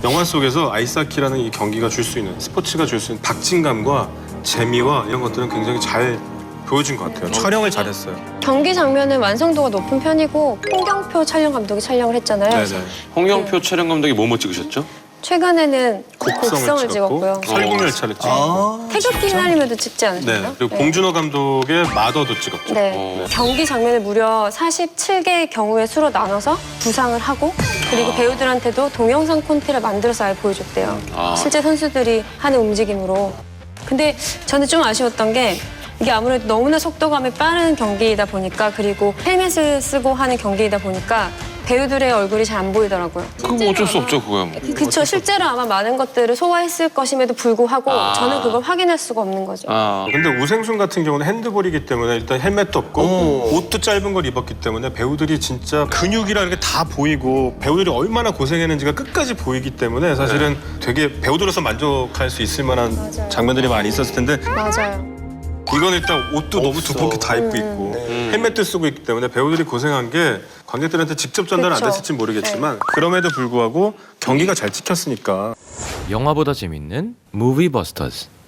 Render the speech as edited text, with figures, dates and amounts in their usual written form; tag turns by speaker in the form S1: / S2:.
S1: 영화 속에서 아이스하키라는 이 경기가 줄 수 있는 스포츠가 줄 수 있는 박진감과 재미와 이런 것들은 굉장히 잘 보여준 것 같아요. 촬영을 잘했어요.
S2: 경기 장면은 완성도가 높은 편이고 홍경표 촬영 감독이 촬영을 했잖아요.
S1: 네네.
S3: 홍영표 촬영 감독이 뭐뭐 찍으셨죠?
S2: 최근에는 곡성을 찍었고요.
S1: 설국열차를 찍었고.
S2: 태극기 휘날리며도 찍지
S1: 네.
S2: 않으셨나요?
S1: 그리고 봉준호 감독의 마더도 찍었죠.
S2: 네. 경기 장면을 무려 47개의 경우의 수로 나눠서 구상을 하고 그리고 배우들한테도 동영상 콘티를 만들어서 아예 보여줬대요. 실제 선수들이 하는 움직임으로. 근데 저는 좀 아쉬웠던 게 이게 아무래도 너무나 속도감이 빠른 경기이다 보니까 그리고 헬멧을 쓰고 하는 경기이다 보니까 배우들의 얼굴이 잘 안 보이더라고요.
S3: 그거 어쩔 수 없죠, 그거야. 뭐.
S2: 그쵸. 실제로 아마 많은 것들을 소화했을 것임에도 불구하고 저는 그걸 확인할 수가 없는 거죠.
S1: 근데 우생순 같은 경우는 핸드볼이기 때문에 일단 헬멧도 없고 옷도 짧은 걸 입었기 때문에 배우들이 진짜 근육이라는 게 다 보이고 배우들이 얼마나 고생했는지가 끝까지 보이기 때문에 사실은 되게 배우들로서 만족할 수 있을 만한
S2: 맞아요.
S1: 장면들이 많이 있었을 텐데
S2: 맞아요.
S1: 이건 일단 옷도 너무 두껍게 다 입고 있고 헬멧도 쓰고 있기 때문에 배우들이 고생한 게 관객들한테 직접 전달은 안
S2: 그쵸.
S1: 됐을지 모르겠지만 그럼에도 불구하고 경기가 잘 찍혔으니까
S4: 영화보다 재밌는 무비버스터즈.